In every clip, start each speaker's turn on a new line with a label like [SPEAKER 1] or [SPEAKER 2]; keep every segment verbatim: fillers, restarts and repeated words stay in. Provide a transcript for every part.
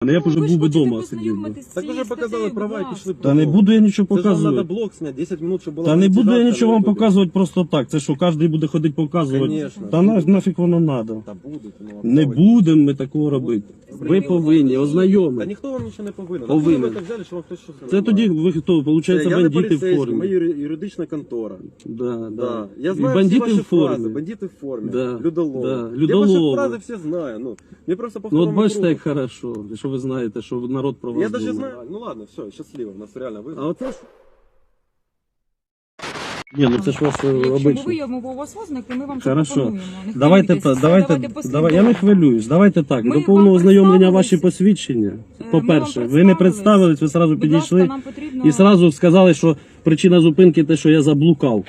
[SPEAKER 1] Я б уже
[SPEAKER 2] Ви
[SPEAKER 1] був
[SPEAKER 2] ж
[SPEAKER 1] би
[SPEAKER 2] хочете
[SPEAKER 1] вдома сидів. би.
[SPEAKER 2] познайомитись з
[SPEAKER 3] Так
[SPEAKER 2] цією
[SPEAKER 3] уже показали
[SPEAKER 2] статтею,
[SPEAKER 3] права
[SPEAKER 2] будь
[SPEAKER 3] і пішли.
[SPEAKER 2] ласка.
[SPEAKER 1] Та не буду я нічого
[SPEAKER 3] Це ж вам
[SPEAKER 1] показувати.
[SPEAKER 3] треба блок зняти, десять минут, щоб була
[SPEAKER 1] Та не буду я
[SPEAKER 3] монетизація
[SPEAKER 1] нічого
[SPEAKER 3] на
[SPEAKER 1] вам
[SPEAKER 3] ютубі.
[SPEAKER 1] показувати просто так. Це що, кожен буде ходити показувати?
[SPEAKER 3] Конечно.
[SPEAKER 1] Та на, нафіг воно треба.
[SPEAKER 3] Та буде. Ну, а
[SPEAKER 1] Не
[SPEAKER 3] хто ви?
[SPEAKER 1] будемо ми такого робити. Ви повинні
[SPEAKER 3] Та
[SPEAKER 1] ознайомити.
[SPEAKER 3] ніхто вам нічого не повинен.
[SPEAKER 1] Повинен.
[SPEAKER 3] Ви так взяли, що вам хтось щось
[SPEAKER 1] Це тоді ви хто?
[SPEAKER 3] Це
[SPEAKER 1] Получається,
[SPEAKER 3] я не
[SPEAKER 1] бандити в
[SPEAKER 3] поліцейський, ми
[SPEAKER 1] формі.
[SPEAKER 3] юри- юридична контора.
[SPEAKER 1] Да,
[SPEAKER 3] Да.
[SPEAKER 1] да.
[SPEAKER 3] Я
[SPEAKER 1] І
[SPEAKER 3] знаю всі
[SPEAKER 1] бандити
[SPEAKER 3] ваші
[SPEAKER 1] в формі.
[SPEAKER 3] фрази, бандити в формі,
[SPEAKER 1] Да.
[SPEAKER 3] людолови.
[SPEAKER 1] Да.
[SPEAKER 3] Я ваші
[SPEAKER 1] Людолови.
[SPEAKER 3] фрази всі знаю. Ну, мені просто по
[SPEAKER 1] Ну от
[SPEAKER 3] второму
[SPEAKER 1] бачите,
[SPEAKER 3] кругу.
[SPEAKER 1] як хорошо, що ви знаєте, що народ про вас
[SPEAKER 3] Я даже
[SPEAKER 1] думає.
[SPEAKER 3] знаю. Ну ладно, все, щасливо, в нас реально ви.
[SPEAKER 1] А оце ж... Ні, ну це ж вас е,
[SPEAKER 2] Якщо ми
[SPEAKER 1] обично.
[SPEAKER 2] виявимо у вас ознаки, ми вам
[SPEAKER 1] Хорошо.
[SPEAKER 2] запропонуємо. Не
[SPEAKER 1] Давайте,
[SPEAKER 2] хвилюйтесь,
[SPEAKER 1] та,
[SPEAKER 2] все,
[SPEAKER 1] давайте,
[SPEAKER 2] давайте
[SPEAKER 1] давай, я не
[SPEAKER 2] послідовно.
[SPEAKER 1] хвилююсь. Давайте так.
[SPEAKER 2] Ми
[SPEAKER 1] До повного
[SPEAKER 2] вам
[SPEAKER 1] ознайомлення ваші
[SPEAKER 2] представились.
[SPEAKER 1] посвідчення.
[SPEAKER 2] Е,
[SPEAKER 1] По-перше,
[SPEAKER 2] ми вам
[SPEAKER 1] ви не
[SPEAKER 2] представились.
[SPEAKER 1] представились, ви одразу
[SPEAKER 2] Будь ласка,
[SPEAKER 1] підійшли
[SPEAKER 2] нам потрібно...
[SPEAKER 1] і одразу сказали, що причина зупинки те, що я заблукав.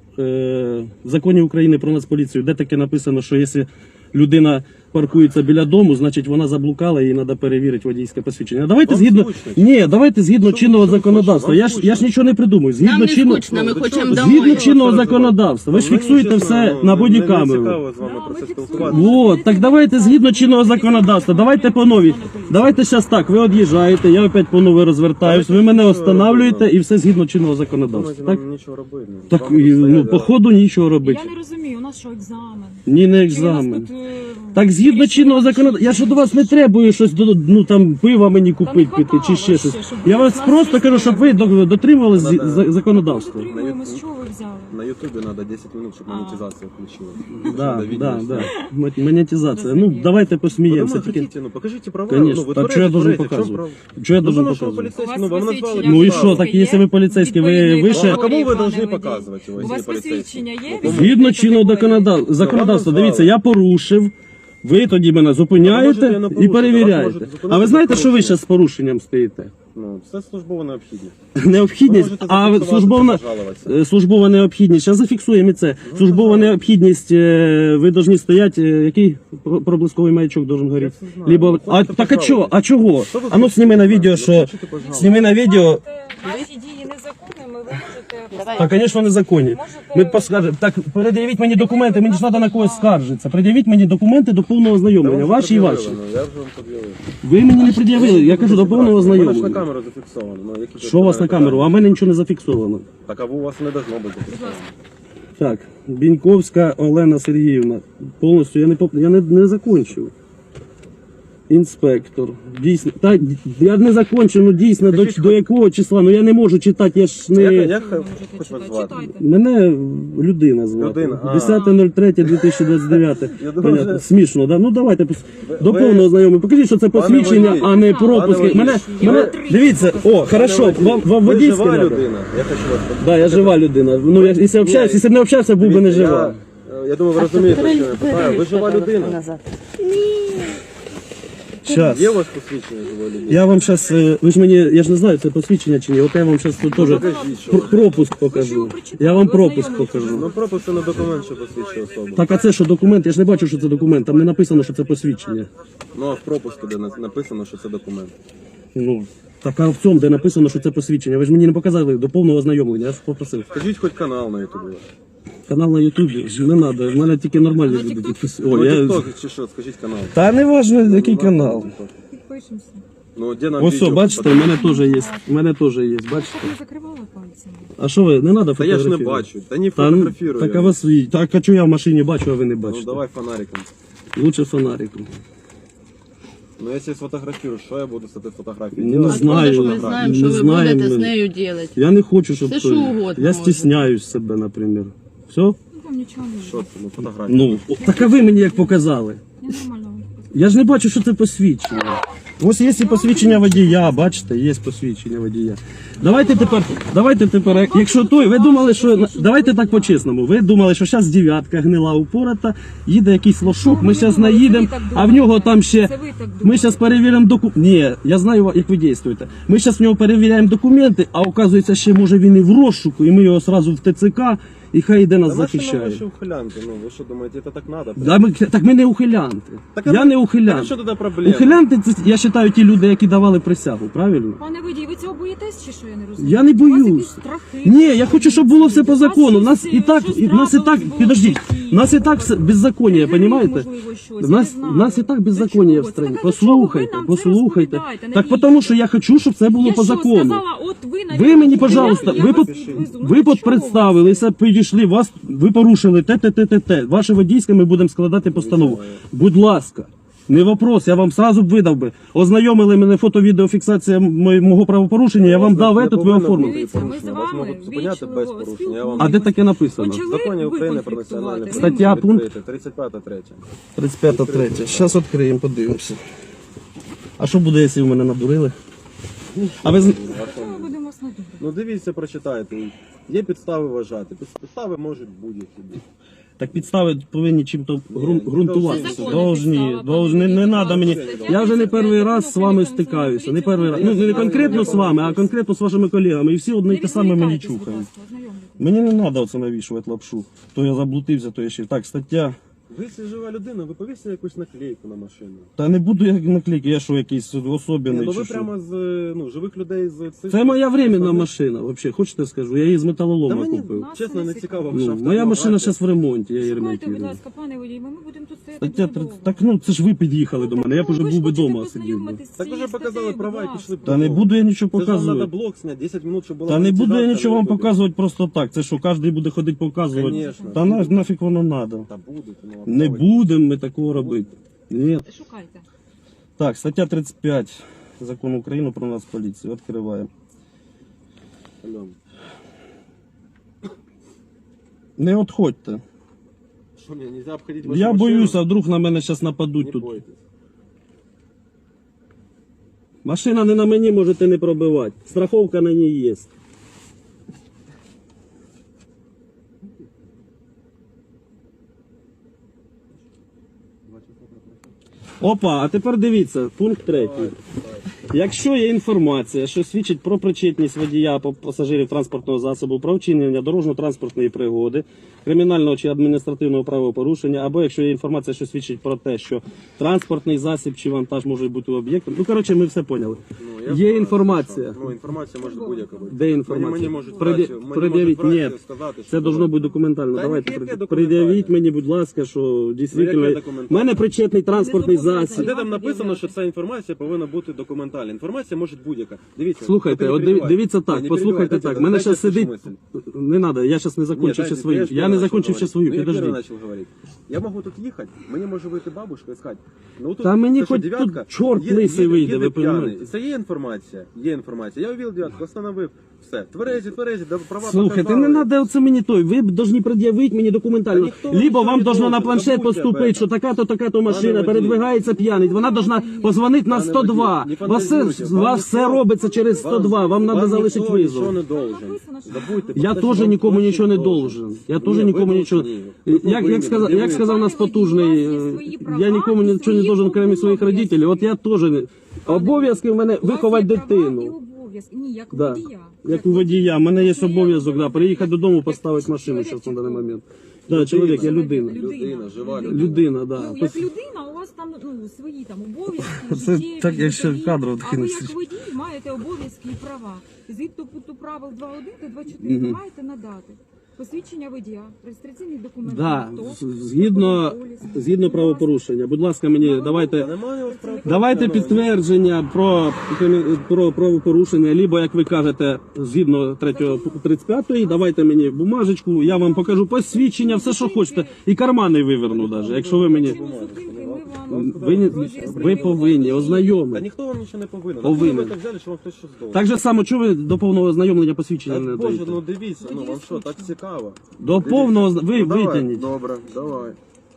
[SPEAKER 1] Е, в законі України про Нацполіцію, де таке написано, що якщо людина паркується біля дому, значить вона заблукала, їй треба перевірити водійське посвідчення. Давайте
[SPEAKER 3] Вам
[SPEAKER 1] згідно,
[SPEAKER 3] скучно?
[SPEAKER 1] ні, давайте згідно
[SPEAKER 3] Що ви-
[SPEAKER 1] чинного
[SPEAKER 3] що ви
[SPEAKER 1] законодавства.
[SPEAKER 3] хочете?
[SPEAKER 1] Я
[SPEAKER 3] Вам
[SPEAKER 1] ж, я ж
[SPEAKER 3] скучно?
[SPEAKER 1] нічого не придумую. Згідно
[SPEAKER 4] Нам не
[SPEAKER 1] чинного,
[SPEAKER 4] скучно, ми
[SPEAKER 3] Ну,
[SPEAKER 4] хочемо
[SPEAKER 3] чого?
[SPEAKER 4] домой.
[SPEAKER 1] згідно чинного
[SPEAKER 3] Що ви
[SPEAKER 1] законодавства. Ви ж
[SPEAKER 3] Мені,
[SPEAKER 1] фіксуєте
[SPEAKER 3] чесно,
[SPEAKER 1] все
[SPEAKER 3] ну,
[SPEAKER 1] на
[SPEAKER 3] не-
[SPEAKER 1] бодікамеру.
[SPEAKER 3] Не цікаво з вами
[SPEAKER 2] Да,
[SPEAKER 3] про це
[SPEAKER 2] ми
[SPEAKER 3] спілкуватися.
[SPEAKER 2] фіксуємо.
[SPEAKER 1] Вот, так давайте згідно чинного законодавства, давайте по новій. Давайте зараз так, ви од'їжджаєте, я опять по новій розвертаюсь, ви мене останавлюєте і все згідно чинного законодавства.
[SPEAKER 3] Думаєте,
[SPEAKER 1] Так,
[SPEAKER 3] нам нічого робити. ну,
[SPEAKER 1] так
[SPEAKER 3] вам
[SPEAKER 1] і, ну,
[SPEAKER 3] стоять,
[SPEAKER 1] по
[SPEAKER 3] да.
[SPEAKER 1] ходу нічого робити.
[SPEAKER 2] Я не розумію, у нас що, екзамен?
[SPEAKER 1] Ні, не
[SPEAKER 2] Чи ви нас
[SPEAKER 1] екзамен.
[SPEAKER 2] тут, е,
[SPEAKER 1] Так згідно
[SPEAKER 2] вирішили
[SPEAKER 1] чинного
[SPEAKER 2] вчити?
[SPEAKER 1] законодавства, я ж до вас не требую щось, до- ну там пива мені
[SPEAKER 2] Та не
[SPEAKER 1] купити піти чи
[SPEAKER 2] хватало
[SPEAKER 1] ще щось.
[SPEAKER 2] ще, щоб
[SPEAKER 1] Я
[SPEAKER 2] ви
[SPEAKER 1] вас
[SPEAKER 2] нас
[SPEAKER 1] просто кажу, щоб ви до- дотримувалися
[SPEAKER 3] Да-да.
[SPEAKER 1] зі- законодавства.
[SPEAKER 2] Дотримуємось, з чого ви взяли?
[SPEAKER 3] На ютубі треба десять минут, щоб
[SPEAKER 2] А.
[SPEAKER 3] монетизація включилась.
[SPEAKER 1] Да,
[SPEAKER 3] Надо відео
[SPEAKER 1] да,
[SPEAKER 3] зняти.
[SPEAKER 1] да. М- Монетизація. Ну,
[SPEAKER 2] Розумію.
[SPEAKER 1] давайте
[SPEAKER 3] Ну,
[SPEAKER 1] посміємося.
[SPEAKER 3] дома
[SPEAKER 1] Тільки...
[SPEAKER 3] хотите, ну покажите права.
[SPEAKER 1] Конечно.
[SPEAKER 3] Ну, вы
[SPEAKER 1] Так
[SPEAKER 3] творите,
[SPEAKER 1] что я должен
[SPEAKER 3] творите, в чем
[SPEAKER 1] показывать?
[SPEAKER 3] прав-
[SPEAKER 1] Что я
[SPEAKER 3] Ну,
[SPEAKER 1] должен
[SPEAKER 3] потому что вы
[SPEAKER 1] показывать?
[SPEAKER 3] полицейский,
[SPEAKER 2] У
[SPEAKER 3] ну,
[SPEAKER 2] вас
[SPEAKER 3] вам назвали
[SPEAKER 2] посвідчення
[SPEAKER 1] Ну і
[SPEAKER 3] неправду.
[SPEAKER 1] що, так якщо ви поліцейський, ви
[SPEAKER 2] Відповідної
[SPEAKER 1] вище?
[SPEAKER 3] Ну, а кому ви
[SPEAKER 2] Пане
[SPEAKER 3] должны
[SPEAKER 2] водій.
[SPEAKER 3] показувати,
[SPEAKER 2] У
[SPEAKER 3] ось
[SPEAKER 2] вас
[SPEAKER 3] є поліцейський?
[SPEAKER 2] посвідчення є?
[SPEAKER 3] Ну,
[SPEAKER 1] Згідно чинного законодав- законодавства,
[SPEAKER 3] назвали.
[SPEAKER 1] дивіться, я порушив. Ви тоді мене
[SPEAKER 3] А ви можете
[SPEAKER 1] зупиняєте
[SPEAKER 3] не
[SPEAKER 1] і
[SPEAKER 3] порушити, вас
[SPEAKER 1] перевіряєте.
[SPEAKER 3] можуть зупинити
[SPEAKER 1] А ви знаєте,
[SPEAKER 3] за
[SPEAKER 1] що ви
[SPEAKER 3] порушення.
[SPEAKER 1] зараз з порушенням стоїте?
[SPEAKER 3] Ну, це службова необхідність.
[SPEAKER 1] Необхідність,
[SPEAKER 3] Ви можете
[SPEAKER 1] а
[SPEAKER 3] зафіксувати,
[SPEAKER 1] службовна,
[SPEAKER 3] пожалуватися.
[SPEAKER 1] е, службова необхідність. Зараз зафіксуємо і це. Службова необхідність, е, ви повинні стояти, е, який про- проблисковий маячок должен горіти?
[SPEAKER 3] це знаю.
[SPEAKER 1] Либо,
[SPEAKER 3] Ну,
[SPEAKER 1] а,
[SPEAKER 3] хочете
[SPEAKER 1] так а чого? А чого?
[SPEAKER 3] Що ви
[SPEAKER 1] А ну
[SPEAKER 3] хочете?
[SPEAKER 1] сніми на відео,
[SPEAKER 3] Ну,
[SPEAKER 1] що...
[SPEAKER 3] хочете, пожалуйста.
[SPEAKER 1] Сніми на відео.
[SPEAKER 2] Ваші дії незаконними, ви можете...
[SPEAKER 1] Так, звісно, незаконні. Ми поскажемо. Так, пред'явіть мені документи, мені ж треба на когось скаржитися. Пред'явіть мені документи до повного
[SPEAKER 3] Та
[SPEAKER 1] ознайомлення.
[SPEAKER 3] вам
[SPEAKER 1] Ваші і
[SPEAKER 3] пред'явили,
[SPEAKER 1] ваші.
[SPEAKER 3] ну, Я вже вам пред'явив.
[SPEAKER 1] Ви мені не пред'явили, я кажу до повного
[SPEAKER 3] Вона ж на
[SPEAKER 1] ознайомлення.
[SPEAKER 3] камеру зафіксовано. Ну, які тут
[SPEAKER 1] Що у вас на
[SPEAKER 3] питання?
[SPEAKER 1] камеру? А в мене нічого не зафіксовано.
[SPEAKER 3] Так, а у вас не должно бути зафіксовано.
[SPEAKER 1] Так, Біньковська Олена Сергіївна. Повністю я не поп... я не, не закончив. Інспектор. Дійсно. Так, я не закончив, ну дійсно, до, до якого числа? Ну я не можу читати, я ж не.
[SPEAKER 3] Як, як
[SPEAKER 2] Ви
[SPEAKER 3] хоч
[SPEAKER 2] можете
[SPEAKER 3] вас
[SPEAKER 2] читати.
[SPEAKER 3] звати?
[SPEAKER 2] Читайте.
[SPEAKER 1] Мене людина звати.
[SPEAKER 3] Людина, а.
[SPEAKER 1] десяте третє дві тисячі двадцять дев'ять.
[SPEAKER 3] Я
[SPEAKER 1] Понятно.
[SPEAKER 3] дуже-
[SPEAKER 1] Смішно, да? Ну давайте пос- до
[SPEAKER 3] ви-
[SPEAKER 1] повного знайомі. Покажіть, що це посвідчення,
[SPEAKER 3] водій,
[SPEAKER 1] а не
[SPEAKER 2] пане
[SPEAKER 1] пропуск.
[SPEAKER 3] водій,
[SPEAKER 1] Мене,
[SPEAKER 3] ви-
[SPEAKER 1] мене, дивіться, о, хорошо, вам, вам
[SPEAKER 3] Ви
[SPEAKER 1] водійське
[SPEAKER 3] жива
[SPEAKER 1] надо?
[SPEAKER 3] людина? Я хочу вас
[SPEAKER 1] Да, я жива людина. Ну, я, якщо общаюсь, якщо б не общався, був би не
[SPEAKER 3] Дивіться,
[SPEAKER 1] жива.
[SPEAKER 3] Я, я думаю, ви розумієте, що я питаю. Ви жива людина?
[SPEAKER 1] Щас.
[SPEAKER 3] Є у вас посвідчення живої людини?
[SPEAKER 1] Я вам зараз, ви ж мені, я ж не знаю, це посвідчення чи ні, от я вам зараз тут теж
[SPEAKER 3] Покажіть, що
[SPEAKER 1] пр- пропуск покажу. Я вам пропуск покажу.
[SPEAKER 3] Ну, пропуск це не документ, що посвідчує особу.
[SPEAKER 1] Так, а це що, документ? Я ж не бачу, що це документ, там не написано, що це посвідчення.
[SPEAKER 3] Ну, а в пропуску, де на- написано, що це документ.
[SPEAKER 1] Ну, так, а в цьому, де написано, що це посвідчення, ви ж мені не показали до повного ознайомлення, я ж попросив.
[SPEAKER 3] Скажіть хоч канал на ютубі.
[SPEAKER 1] Канал на Ютубі, не треба, в мене тільки нормальні люди. підпис- О,
[SPEAKER 3] Ну,
[SPEAKER 1] я...
[SPEAKER 3] тікток чи що, скажіть канал.
[SPEAKER 1] Та не важливо, який канал.
[SPEAKER 2] Підпишемося.
[SPEAKER 3] Ну, де нам
[SPEAKER 1] Ось,
[SPEAKER 3] відео
[SPEAKER 1] все, бачите, у
[SPEAKER 3] показати?
[SPEAKER 1] мене теж є, у мене теж є, бачите?
[SPEAKER 2] Щоб не закривали пальцями.
[SPEAKER 1] А що ви, не треба
[SPEAKER 3] Та я ж не
[SPEAKER 1] фотографувати?
[SPEAKER 3] бачу. Та не
[SPEAKER 1] Та, ну,
[SPEAKER 3] фотографірую.
[SPEAKER 1] так, а вас, так, а чого я в машині бачу, а ви не
[SPEAKER 3] Ну,
[SPEAKER 1] бачите?
[SPEAKER 3] давай фонариком.
[SPEAKER 1] Лучше фонариком.
[SPEAKER 3] Ну, якщо сфотографірую, що я буду з цією фотографією
[SPEAKER 1] Не
[SPEAKER 3] делать?
[SPEAKER 1] знаю.
[SPEAKER 4] Откуда ж ми знаємо, що
[SPEAKER 1] Не
[SPEAKER 4] ви
[SPEAKER 1] знаємо
[SPEAKER 4] будете
[SPEAKER 1] ми.
[SPEAKER 4] з нею робити?
[SPEAKER 1] Я не хочу, щоб...
[SPEAKER 4] Все,
[SPEAKER 1] то-
[SPEAKER 4] що угодно
[SPEAKER 1] Я
[SPEAKER 4] можна.
[SPEAKER 1] стісняюсь себе, наприклад. Все?
[SPEAKER 2] Ну, вам нічого не
[SPEAKER 3] Що
[SPEAKER 2] буде.
[SPEAKER 3] це? Ну, фотографія.
[SPEAKER 1] Ну, о, так а ви мені як показали?
[SPEAKER 2] Я нормально вам показую.
[SPEAKER 1] Я ж не бачу, що це посвідчення. Ось є і посвідчення водія, бачите, є посвідчення водія. Давайте тепер, давайте тепер, якщо той, ви думали, що, давайте так по-чесному, ви думали, що зараз дев'ятка гнила упората, їде якийсь лошок, ми зараз наїдемо, а в нього там ще,
[SPEAKER 2] Це ви так думаєте.
[SPEAKER 1] ми зараз перевіримо документи. Ні, я знаю, як ви дієте. Ми зараз в нього перевіряємо документи, а оказується, ще може він і в розшуку, і ми його одразу в ТЦК, і хай йде нас
[SPEAKER 3] Да машина
[SPEAKER 1] захищає.
[SPEAKER 3] ваші ухилянки, ну ви що думаєте, це так надо?
[SPEAKER 1] Да, ми, так ми не ухилянти.
[SPEAKER 3] Так,
[SPEAKER 1] Я
[SPEAKER 3] а-
[SPEAKER 1] не
[SPEAKER 3] Так
[SPEAKER 1] ухилянт.
[SPEAKER 3] що тоді проблема?
[SPEAKER 1] Ухилянти, це, я вважаю, ті люди, які давали присягу, правильно?
[SPEAKER 2] Пане водій, ви цього боїтесь чи що, я не розумію?
[SPEAKER 1] Я не
[SPEAKER 2] У вас
[SPEAKER 1] боюсь.
[SPEAKER 2] якісь страхи?
[SPEAKER 1] Ні, я хочу, щоб було все по
[SPEAKER 2] У вас
[SPEAKER 1] закону. У нас
[SPEAKER 2] щось,
[SPEAKER 1] і так,
[SPEAKER 2] щось
[SPEAKER 1] і, в нас і так,
[SPEAKER 2] трапилось було в
[SPEAKER 1] підождіть,
[SPEAKER 2] житті.
[SPEAKER 1] у нас і так все беззаконня,
[SPEAKER 2] Прикрив,
[SPEAKER 1] розумієте?
[SPEAKER 2] можливо, щось,
[SPEAKER 1] У нас,
[SPEAKER 2] я не знаю.
[SPEAKER 1] у нас і так
[SPEAKER 2] До
[SPEAKER 1] беззаконня
[SPEAKER 2] чого
[SPEAKER 1] в
[SPEAKER 2] це?
[SPEAKER 1] страні.
[SPEAKER 2] Так, а до чого ви
[SPEAKER 1] Послухайте,
[SPEAKER 2] нам це
[SPEAKER 1] послухайте.
[SPEAKER 2] розповідаєте?
[SPEAKER 1] Так
[SPEAKER 2] Навіщо?
[SPEAKER 1] тому, що я хочу, щоб це було
[SPEAKER 2] Я
[SPEAKER 1] по
[SPEAKER 2] що,
[SPEAKER 1] закону.
[SPEAKER 2] сказала, от ви,
[SPEAKER 1] Ви
[SPEAKER 2] навіть,
[SPEAKER 1] мені,
[SPEAKER 2] я-
[SPEAKER 1] пожалуйста,
[SPEAKER 2] я
[SPEAKER 1] ви,
[SPEAKER 2] вас
[SPEAKER 1] под,
[SPEAKER 2] везу. Ну,
[SPEAKER 1] ви
[SPEAKER 2] до чого
[SPEAKER 1] підпредставилися, підійшли, вас, ви порушили те, те, те, те, те. Ваше водійське, ми будемо складати постанову. Будь ласка. Не вопрос, я вам сразу б видав би. Ознайомили мене фото-відеофіксація мо- мого правопорушення, я вам дав
[SPEAKER 3] Не
[SPEAKER 1] этот, ви
[SPEAKER 3] повинно
[SPEAKER 1] оформили.
[SPEAKER 3] бути
[SPEAKER 2] Дивіться, ми
[SPEAKER 3] порушення.
[SPEAKER 2] з
[SPEAKER 3] Вас
[SPEAKER 2] вами
[SPEAKER 3] можуть зупиняти без
[SPEAKER 2] вічливо
[SPEAKER 3] порушення. Я вам
[SPEAKER 1] А де таке написано?
[SPEAKER 2] Почали
[SPEAKER 3] в законі
[SPEAKER 2] ви
[SPEAKER 3] України про
[SPEAKER 2] конфліктувати.
[SPEAKER 3] національну
[SPEAKER 2] Ви
[SPEAKER 1] Стаття,
[SPEAKER 2] можете.
[SPEAKER 1] пункт?
[SPEAKER 3] тридцять п'ята третя.
[SPEAKER 1] тридцять п'ята третя. Зараз відкриємо, подивимося. А що буде, якщо ви мене надурили? А ви з-
[SPEAKER 2] Ми будемо вас надурити.
[SPEAKER 3] Ну дивіться, прочитайте. Є підстави вважати. Підстави можуть будь-які бути.
[SPEAKER 1] Так підстави повинні чим-то грун-
[SPEAKER 3] Ні,
[SPEAKER 1] ґрунтуватися.
[SPEAKER 2] це законна
[SPEAKER 1] Должні,
[SPEAKER 2] підстава,
[SPEAKER 1] должні, не, не
[SPEAKER 2] пане
[SPEAKER 1] треба мені.
[SPEAKER 2] Віктор.
[SPEAKER 1] Я вже не
[SPEAKER 2] Стаття
[SPEAKER 1] перший раз
[SPEAKER 2] тридцять
[SPEAKER 1] з вами
[SPEAKER 2] п'ять
[SPEAKER 1] стикаюся. Не
[SPEAKER 2] Закону
[SPEAKER 1] перший раз.
[SPEAKER 2] України
[SPEAKER 1] Ну, не
[SPEAKER 2] про
[SPEAKER 1] конкретно з
[SPEAKER 2] національну
[SPEAKER 1] вами, а конкретно з вашими колегами. І всі одне й те саме мені
[SPEAKER 2] відволікайтесь, будь
[SPEAKER 1] чухають.
[SPEAKER 2] ласка, ознайомлюйтесь.
[SPEAKER 1] Мені не треба оце навішувати лапшу. То я заблудився, то я ще. Так, стаття.
[SPEAKER 3] Ви якщо жива людина, ви повісьте якусь наклейку на машину.
[SPEAKER 1] Та не буду я наклейки, я що якийсь
[SPEAKER 3] Ні,
[SPEAKER 1] особливий
[SPEAKER 3] ну
[SPEAKER 1] чи
[SPEAKER 3] ви
[SPEAKER 1] що.
[SPEAKER 3] прямо з ну, живих людей з цих.
[SPEAKER 1] Це моя временна
[SPEAKER 3] Та
[SPEAKER 1] машина, взагалі. Хочете скажу? Я її з металолома
[SPEAKER 3] мені
[SPEAKER 1] купив.
[SPEAKER 2] Нас
[SPEAKER 3] чесно
[SPEAKER 2] не
[SPEAKER 3] не цікаво.
[SPEAKER 1] Ну,
[SPEAKER 3] ваша
[SPEAKER 1] моя машина
[SPEAKER 3] автомобіль.
[SPEAKER 1] зараз в ремонті, я її
[SPEAKER 2] Шукайте, будь
[SPEAKER 1] ремонтую.
[SPEAKER 2] ласка, пане водій, ми будемо тут стояти
[SPEAKER 1] Стаття
[SPEAKER 2] дуже довго.
[SPEAKER 1] тридцять. Так ну це ж ви під'їхали до мене, я б уже
[SPEAKER 2] Ну, ви
[SPEAKER 1] був
[SPEAKER 2] ж
[SPEAKER 1] би
[SPEAKER 2] хочете
[SPEAKER 1] вдома сидів. би.
[SPEAKER 2] познайомитись з
[SPEAKER 3] Так ви
[SPEAKER 2] цією
[SPEAKER 3] вже показали
[SPEAKER 2] статтею,
[SPEAKER 3] права
[SPEAKER 2] будь
[SPEAKER 3] і пішли б
[SPEAKER 1] Та не
[SPEAKER 3] додому.
[SPEAKER 1] буду я нічого
[SPEAKER 3] Це ж вам треба
[SPEAKER 1] показувати.
[SPEAKER 3] блок зняти, десять минут, щоб була
[SPEAKER 1] Та не буду я
[SPEAKER 3] монетизація,
[SPEAKER 1] нічого вам
[SPEAKER 3] ви будете.
[SPEAKER 1] показувати просто так. Це що, кожен буде ходити показувати.
[SPEAKER 3] Конечно.
[SPEAKER 1] Та на, нафіг воно треба.
[SPEAKER 3] Та будете, ну,
[SPEAKER 1] Не
[SPEAKER 3] а
[SPEAKER 1] будемо ми такого робити. Ні.
[SPEAKER 2] Шукайте.
[SPEAKER 1] Так, стаття тридцять п'ять Закону України про нас поліцію. Відкриваємо.
[SPEAKER 3] Альон,
[SPEAKER 1] Не відходьте.
[SPEAKER 3] Що мені, нельзя обходити вашу
[SPEAKER 1] Я
[SPEAKER 3] машину?
[SPEAKER 1] боюся, а вдруг на мене зараз нападуть
[SPEAKER 3] Не
[SPEAKER 1] тут.
[SPEAKER 3] бойтесь.
[SPEAKER 1] Машина не на мені, можете не пробивати. Страховка на ній є. Опа, а тепер дивіться, пункт третій. Якщо є інформація, що свідчить про причетність водія або пасажирів транспортного засобу, про вчинення дорожньо-транспортної пригоди, кримінального чи адміністративного правопорушення, або якщо є інформація, що свідчить про те, що транспортний засіб чи вантаж може бути об'єктом. Ну, коротше, ми все поняли.
[SPEAKER 3] Ну, я
[SPEAKER 1] Є
[SPEAKER 3] знаю,
[SPEAKER 1] інформація.
[SPEAKER 3] що- Ну, інформація може будь-яка бути.
[SPEAKER 1] Де інформація?
[SPEAKER 3] Мені, мені можуть
[SPEAKER 1] Пред'я-
[SPEAKER 3] братці- мені
[SPEAKER 1] пред'явіть,
[SPEAKER 3] можуть
[SPEAKER 1] ні.
[SPEAKER 3] братці сказати, що
[SPEAKER 1] Це должно бути документально.
[SPEAKER 3] Та
[SPEAKER 1] Давайте
[SPEAKER 3] яке
[SPEAKER 1] пред-
[SPEAKER 3] документальне?
[SPEAKER 1] пред'явіть мені, будь ласка, що дійсно
[SPEAKER 3] яке
[SPEAKER 1] в
[SPEAKER 3] документальне?
[SPEAKER 1] мене причетний транспортний
[SPEAKER 2] Не зобов'язані.
[SPEAKER 3] А
[SPEAKER 1] засіб.
[SPEAKER 3] де там написано, що ця інформація повинна бути документальна? Інформація може будь-яка. Дивіться.
[SPEAKER 1] Слухайте,
[SPEAKER 3] тільки не
[SPEAKER 1] от диві-
[SPEAKER 3] перебивайте.
[SPEAKER 1] дивіться
[SPEAKER 3] Ні,
[SPEAKER 1] так,
[SPEAKER 3] не
[SPEAKER 1] послухайте
[SPEAKER 3] перебивайте,
[SPEAKER 1] так.
[SPEAKER 3] дайте-
[SPEAKER 1] Мене
[SPEAKER 3] дайте
[SPEAKER 1] зараз сидить.
[SPEAKER 3] мисль.
[SPEAKER 1] Не треба, я зараз не закончив ще
[SPEAKER 3] дайте,
[SPEAKER 1] свою.
[SPEAKER 3] ж
[SPEAKER 1] Я
[SPEAKER 3] первый
[SPEAKER 1] не
[SPEAKER 3] начал
[SPEAKER 1] закончив ще
[SPEAKER 3] говорить.
[SPEAKER 1] свою,
[SPEAKER 3] Ну, я первый
[SPEAKER 1] підождіть.
[SPEAKER 3] начал говорить. Я могу тут ехать, мне може вийти бабушка і сказати, ну тут
[SPEAKER 1] Та мені
[SPEAKER 3] це що,
[SPEAKER 1] хоч
[SPEAKER 3] дев'ятка?
[SPEAKER 1] тут чорт
[SPEAKER 3] Є-
[SPEAKER 1] лисий
[SPEAKER 3] їде-
[SPEAKER 1] вийде,
[SPEAKER 3] їде
[SPEAKER 1] ви
[SPEAKER 3] п'яний.
[SPEAKER 1] розумієте?
[SPEAKER 3] Це є інформація, є інформація. Я увидел дев'ятку, остановив, все. Тверезі, тверезі, да, права
[SPEAKER 1] Слухайте,
[SPEAKER 3] показали.
[SPEAKER 1] не треба оце мені той. Ви б повинні пред'явити мені
[SPEAKER 3] Та
[SPEAKER 1] документально.
[SPEAKER 3] ніхто вам
[SPEAKER 1] Либо
[SPEAKER 3] нічого
[SPEAKER 1] вам
[SPEAKER 3] не
[SPEAKER 1] должно на
[SPEAKER 3] должен,
[SPEAKER 1] планшет
[SPEAKER 3] забудьте об
[SPEAKER 1] поступити,
[SPEAKER 3] этом.
[SPEAKER 1] що така-то, така-то машина
[SPEAKER 3] водій.
[SPEAKER 1] передвигається п'яний. Вона должна позвонити на
[SPEAKER 3] Пане
[SPEAKER 1] сто два.
[SPEAKER 3] водій, не
[SPEAKER 1] Вас все,
[SPEAKER 3] фантазуйте, вам
[SPEAKER 1] вас все
[SPEAKER 3] ніхто-
[SPEAKER 1] робиться через сто два. Вам треба залишити
[SPEAKER 3] ніхто нічого
[SPEAKER 1] визов.
[SPEAKER 3] не должен.
[SPEAKER 2] Написано, що-
[SPEAKER 3] Забудьте,
[SPEAKER 1] Я
[SPEAKER 3] просто,
[SPEAKER 1] теж
[SPEAKER 3] що вам
[SPEAKER 1] нікому
[SPEAKER 3] хтось
[SPEAKER 1] нічого не
[SPEAKER 3] должен.
[SPEAKER 1] должен. Я
[SPEAKER 3] Ні,
[SPEAKER 1] теж
[SPEAKER 3] ви
[SPEAKER 1] нікому нічого.
[SPEAKER 3] должні. Ви
[SPEAKER 1] Як,
[SPEAKER 3] повинні,
[SPEAKER 1] як, сказав,
[SPEAKER 3] не
[SPEAKER 1] як
[SPEAKER 3] ви.
[SPEAKER 1] сказав нас
[SPEAKER 2] Пане водій,
[SPEAKER 1] потужний,
[SPEAKER 2] у вас є
[SPEAKER 1] е,
[SPEAKER 2] свої права
[SPEAKER 1] я нікому
[SPEAKER 2] і
[SPEAKER 1] нічого не
[SPEAKER 2] свої
[SPEAKER 1] должен, крім своїх
[SPEAKER 2] обов'язки.
[SPEAKER 1] родителів. От я теж не. Обов'язки в мене
[SPEAKER 2] У вас
[SPEAKER 1] виховати
[SPEAKER 2] є права і
[SPEAKER 1] дитину.
[SPEAKER 2] обов'язки. Ні, як у
[SPEAKER 1] Да.
[SPEAKER 2] водія.
[SPEAKER 1] Як у водія, в мене є
[SPEAKER 2] Це
[SPEAKER 1] обов'язок, да, приїхати додому,
[SPEAKER 2] як
[SPEAKER 1] поставити машину
[SPEAKER 2] чоловік
[SPEAKER 1] зараз
[SPEAKER 2] чи
[SPEAKER 1] на даний
[SPEAKER 2] хто?
[SPEAKER 1] момент. Да, чоловік, я людина.
[SPEAKER 3] Людина, жива людина.
[SPEAKER 1] Людина, да.
[SPEAKER 2] Ну, як людина, у вас там ну, свої там обов'язки,
[SPEAKER 1] Це
[SPEAKER 2] життєві,
[SPEAKER 1] так, як ще
[SPEAKER 2] життєві.
[SPEAKER 1] кадром
[SPEAKER 2] А ви
[SPEAKER 1] кинуть.
[SPEAKER 2] як водій маєте обов'язки і права. Згідно пункту правил два один та два чотири ви маєте надати посвідчення водія, реєстраційний документ.
[SPEAKER 1] Да,
[SPEAKER 2] авто,
[SPEAKER 1] з- згідно,
[SPEAKER 2] страховий поліс.
[SPEAKER 1] згідно правопорушення. Будь ласка, мені давайте.
[SPEAKER 3] Та немає у вас прав-
[SPEAKER 1] Давайте
[SPEAKER 3] прав-
[SPEAKER 1] підтвердження про, про правопорушення, либо, як ви кажете, згідно третього тридцять п'ятої, давайте мені бумажечку, я вам покажу посвідчення, все, що хочете, і кармани виверну навіть, якщо ви мені...
[SPEAKER 2] Причину зупинки ми вам
[SPEAKER 1] Ви, не- ви повинні
[SPEAKER 3] Та
[SPEAKER 1] ознайомити.
[SPEAKER 3] ніхто вам нічого не повинен.
[SPEAKER 1] Повинен.
[SPEAKER 3] Ви так взяли, що вам хтось щось должен.
[SPEAKER 1] Так же само, чого ви до повного ознайомлення посвідчення
[SPEAKER 3] Так,
[SPEAKER 1] не
[SPEAKER 3] Боже,
[SPEAKER 1] даєте?
[SPEAKER 3] ну дивіться, ну вам що, так цікаво.
[SPEAKER 1] До повного,
[SPEAKER 3] Дивіться.
[SPEAKER 1] ви
[SPEAKER 3] Ну, давай,
[SPEAKER 1] витягніть.
[SPEAKER 3] Добре, давай.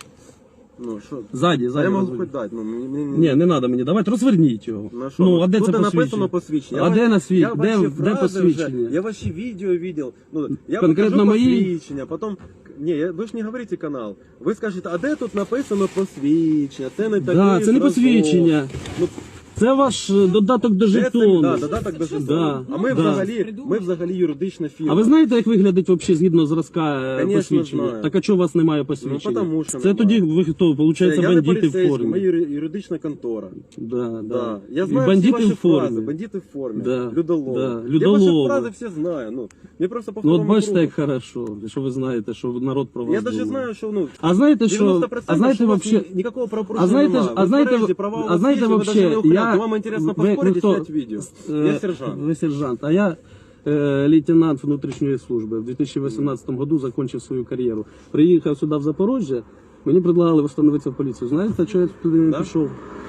[SPEAKER 3] Ну що?
[SPEAKER 1] Ззаді,
[SPEAKER 3] А
[SPEAKER 1] ззаді.
[SPEAKER 3] я можу
[SPEAKER 1] розверніть.
[SPEAKER 3] хоч дати, ну мені... мені-
[SPEAKER 1] Ні, не треба мені, давайте розверніть його.
[SPEAKER 3] На що?
[SPEAKER 1] Ну, а де
[SPEAKER 3] Тут
[SPEAKER 1] це
[SPEAKER 3] написано
[SPEAKER 1] посвідчення?
[SPEAKER 3] посвідчення.
[SPEAKER 1] А
[SPEAKER 3] Я
[SPEAKER 1] де
[SPEAKER 3] ва-
[SPEAKER 1] на світ?
[SPEAKER 3] я
[SPEAKER 1] Де,
[SPEAKER 3] ваші
[SPEAKER 1] де
[SPEAKER 3] фрази
[SPEAKER 1] посвідчення?
[SPEAKER 3] Вже, я ваші відео видел. Ну, я
[SPEAKER 1] Конкретно
[SPEAKER 3] покажу
[SPEAKER 1] мої?
[SPEAKER 3] посвідчення, потім... Ні, я, ви ж не говорите канал. Ви скажете, а де тут написано посвідчення? Це не такий
[SPEAKER 1] Да, це не
[SPEAKER 3] зразок.
[SPEAKER 1] посвідчення.
[SPEAKER 3] Ну,
[SPEAKER 1] Це ваш е, додаток до
[SPEAKER 3] Це,
[SPEAKER 1] жетону.
[SPEAKER 3] да, додаток до жетону.
[SPEAKER 1] Да,
[SPEAKER 3] А ми
[SPEAKER 1] да.
[SPEAKER 3] взагалі, ми взагалі юридична фірма.
[SPEAKER 1] А ви знаєте, як виглядить взагалі згідно зразка е,
[SPEAKER 3] Конечно,
[SPEAKER 1] посвідчення?
[SPEAKER 3] знаю.
[SPEAKER 1] Так а чого у вас немає посвідчення?
[SPEAKER 3] Ну, потому що
[SPEAKER 1] Це
[SPEAKER 3] немає.
[SPEAKER 1] тоді ви хто?
[SPEAKER 3] Це
[SPEAKER 1] Получається,
[SPEAKER 3] я не
[SPEAKER 1] бандити в
[SPEAKER 3] поліцейський,
[SPEAKER 1] формі.
[SPEAKER 3] ми юри- юридична контора.
[SPEAKER 1] Да, да.
[SPEAKER 3] Да. Я
[SPEAKER 1] І
[SPEAKER 3] знаю
[SPEAKER 1] бандити
[SPEAKER 3] всі ваші
[SPEAKER 1] в формі.
[SPEAKER 3] фрази, бандити в формі,
[SPEAKER 1] Да.
[SPEAKER 3] людолови.
[SPEAKER 1] Да.
[SPEAKER 3] Я ваші
[SPEAKER 1] Людолови.
[SPEAKER 3] фрази всі знаю. Ну, я просто по
[SPEAKER 1] Ну от
[SPEAKER 3] второму
[SPEAKER 1] бачите,
[SPEAKER 3] кругу.
[SPEAKER 1] як хорошо, що ви знаєте, що народ про вас
[SPEAKER 3] Я даже
[SPEAKER 1] думає.
[SPEAKER 3] знаю, що ну,
[SPEAKER 1] А знаєте, що,
[SPEAKER 3] девяносто процентов,
[SPEAKER 1] а знаєте
[SPEAKER 3] що у вас
[SPEAKER 1] вообще,
[SPEAKER 3] ні- никакого
[SPEAKER 1] а
[SPEAKER 3] правопорушення
[SPEAKER 1] знаєте, ж-
[SPEAKER 3] немає.
[SPEAKER 1] а
[SPEAKER 3] Ви
[SPEAKER 1] знаєте,
[SPEAKER 3] тверезі, права у
[SPEAKER 1] а
[SPEAKER 3] вас
[SPEAKER 1] знаєте
[SPEAKER 3] є, ви
[SPEAKER 1] вообще,
[SPEAKER 3] даже не ухилянт.
[SPEAKER 1] я...
[SPEAKER 3] Вам интересно
[SPEAKER 1] ви- ви
[SPEAKER 3] поспорить и
[SPEAKER 1] хто?
[SPEAKER 3] снять видео.
[SPEAKER 1] Е,
[SPEAKER 3] Я сержант.
[SPEAKER 1] Ви сержант, а я е, лейтенант внутрішньої служби. В дві тисячі вісімнадцятому году закончив свою кар'єру. Приїхав сюди в Запорожжя, мені предлагали встановитися в поліцію. Знаєте, що я туди не
[SPEAKER 3] Да?
[SPEAKER 1] пішов?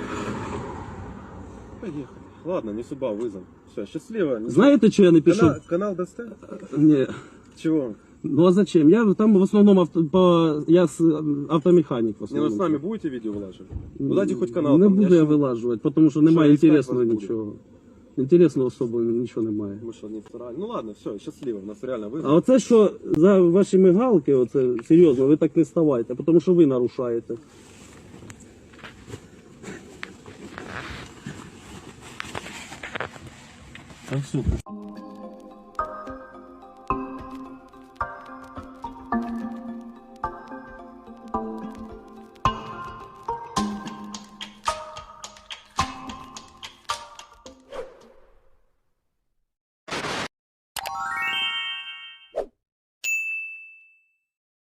[SPEAKER 3] Поехали. Ладно, не суба, вызов. Все, счастливо. Не-
[SPEAKER 1] Знаєте, що я не пішов?
[SPEAKER 3] Канал, канал дасте?
[SPEAKER 1] Ні.
[SPEAKER 3] Чего?
[SPEAKER 1] Ну а зачем? Я там в основному авто, по, я с- автомеханік в
[SPEAKER 3] Не, ну
[SPEAKER 1] основному.
[SPEAKER 3] с нами будете видео вылаживать? Ну дайте хоть канал.
[SPEAKER 1] Не
[SPEAKER 3] там,
[SPEAKER 1] буду я
[SPEAKER 3] ж-
[SPEAKER 1] вилажувати, тому що немає
[SPEAKER 3] искать
[SPEAKER 1] інтересного
[SPEAKER 3] вас буду?
[SPEAKER 1] нічого. Інтересного особо нічого немає.
[SPEAKER 3] Мы что, не вторали? Ну ладно, все, счастливо. У нас реально
[SPEAKER 1] А
[SPEAKER 3] вызов.
[SPEAKER 1] оце що за ваші мигалки, оце серйозно, ви так не ставайте, тому що ви нарушаєте. Так, все.